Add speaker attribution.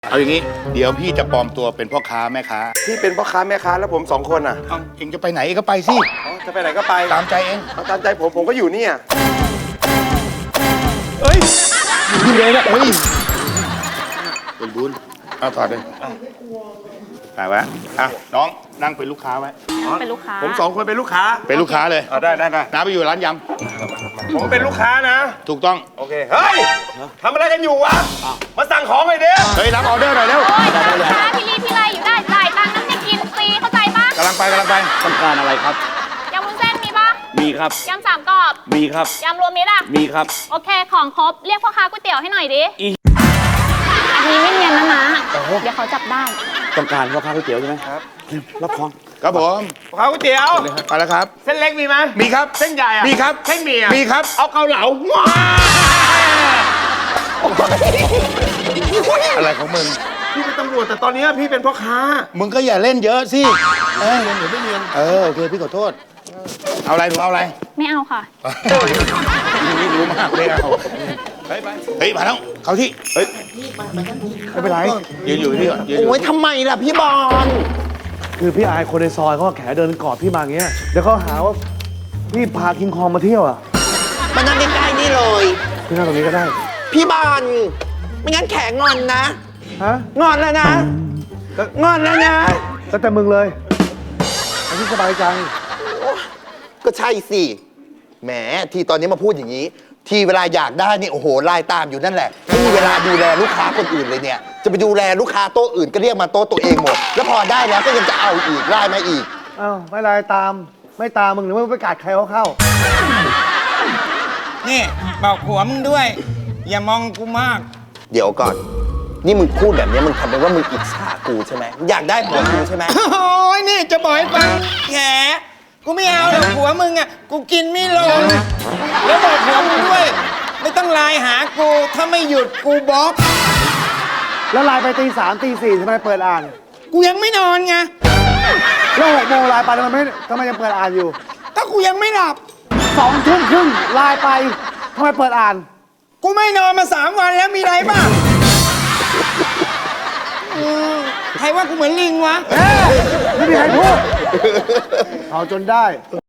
Speaker 1: เอาอย่างนี้เดี๋ยวพี่จะปลอมตัวเป็นพ่อค้าแม่ค้า
Speaker 2: พี่เป็นพ่อค้าแม่ค้าแล้วผม2 คนอ่ะ
Speaker 1: เอ้าเองจะไปไหนเองก็ไปสิ
Speaker 2: อ๋อจะไปไหนก็ไป
Speaker 1: ตามใจเอง
Speaker 2: เอาตามใจผมก็อยู่เนี่ย
Speaker 1: อยู่เลยนะเฮ้ยเป็นบุญเอาต่อเลยไปไว้อ่ะน้องนั่งเป็นลูกค้าไว้
Speaker 3: เป็นลูกค้า
Speaker 2: ผม2 คนเป็นลูกค้า
Speaker 1: เป็นลูกค้าเลย
Speaker 2: เอาได้
Speaker 1: น้าไปอยู่ร้านย
Speaker 2: ผมเป็นลูกค้านะ
Speaker 1: ำถูกต้อง
Speaker 2: โอเคเฮ้ยทำอะไรกันอยู่วะมาสั่งของเลยเด้
Speaker 1: เฮ้ยรับออเดอร์หน่อยเร็ว
Speaker 3: โอ้ยลูกค้าที่รีที่ไรอยู่ได้จ่ายตังค์น้ำจะกินฟรีเข้าใจปะ
Speaker 1: กำลังไป
Speaker 4: ต้องการอะไรครับ
Speaker 3: ยำวุ้นเส้นมีปะ
Speaker 4: มีครับ
Speaker 3: ยำสามกรอบ
Speaker 4: มีครับ
Speaker 3: ยำรวมมิตรอะ
Speaker 4: มีครับ
Speaker 3: โอเคของครบเรียกพ่อค้าก๋วยเตี๋ยวให้หน่อยดิ
Speaker 4: อี
Speaker 3: อันนี้ไม่เนียนนะนะเดี๋ยวเขาจับได้
Speaker 4: ต้องการพ่อค้าก๋วยเตี๋ยวใช่ไหมครับรับของ
Speaker 1: ครับผม
Speaker 2: พ่อค้าก๋วยเตี๋ยว
Speaker 1: ไปแล้วครับ
Speaker 2: เส้นเล็กมีไหม
Speaker 1: มีครับ
Speaker 2: เส้นใหญ่อะ
Speaker 1: มีครับ
Speaker 2: เส้นหมี่อะ
Speaker 1: มีครับ
Speaker 2: เอาเกาเหลาว้า
Speaker 1: อะไรของมึง
Speaker 2: พี่เป็นตำรวจแต่ตอนนี้พี่เป็นพ่อค้า
Speaker 1: มึงก็อย่าเล่นเยอะสิเรียนหรือไม่เรียนโอเคพี่ขอโทษ เอาอะไรหนูเอาอะไร
Speaker 3: ไม่เอาค่ะ
Speaker 1: นี่รู้มากไม่เอาเฮ้ยมาแล้วเขาที่เฮ้ยไม่เป็นไรยืนอยู่ที่ก่อนยืนอยู่
Speaker 5: โอ้ยทำไมล่ะพี่บอล
Speaker 6: คือพี่อายคนในซอยเขาก็แขเดินกอดพี่มาอย่างเงี้ยเดี๋ยวเขาหาว่าพี่พาคิงคองมาเที่ยวอ่ะ
Speaker 5: มานั่งใกล้ๆนี่เลย
Speaker 6: พี่นั่งตรงนี้ก็ได้
Speaker 5: พี่บอลไม่งั้นแขกงอนนะ
Speaker 6: ฮะ
Speaker 5: งอนแล้วนะงอนแล้วนะ
Speaker 6: แล้วแต่มึงเลยเอาที่สบายใจ
Speaker 5: ก็ใช่สิแหมทีตอนนี้มาพูดอย่างนี้ ทีเวลาอยากได้นี่โอ้โหไล่ตามอยู่นั่นแหละไม่มีเวลาดูแลลูกค้าคนอื่นเลยเนี่ยจะไปดูแลลูกค้าโต๊ะอื่นก็เรียกมาโต๊ะตัวเองหมด แล้วพอได้แล้วก็ยังจะเอาอีกไล่มาอีก
Speaker 6: อ้าวไม่ไรตามไม่ตามมึงหรือว่าไปกัดใครเขาเข้า
Speaker 7: นี่บอกผัวมึงด้วย อย่ามองกูมาก
Speaker 5: เดี๋ยวก่อน นี่มึงพูดแบบนี้มึงทำเป็นว่ามึงอิจฉากูใช่ไหมอยากได้ผัวกูใช่ไหม
Speaker 7: โอ้ยนี่จะบอกให้ฟังแขกูไม่เอาหรอกผัวมึงอ่ะ กูกินไม่ลง แล้วบอกผัวมึงด้วย ไม่ต้องไลน์หากู ถ้าไม่หยุดกูบล็อก
Speaker 6: แล้วไลน์ไปตี 3 ตี 4ทำไมเปิดอ่าน
Speaker 7: กูยังไม่นอนไง
Speaker 6: แล้ว6 โมงไลน์ไปทำไมยังเปิดอ่านอยู่
Speaker 7: ถ้ากูยังไม่หลับ
Speaker 6: 2 ทุ่มครึ่งไลน์ไปทำไมเปิดอ่าน
Speaker 7: กูไม่นอนมา3 วันแล้วมีไรบ้างใครว่ากูเหมือนลิงวะ
Speaker 6: ไม่มีใครพูดเอาจนได้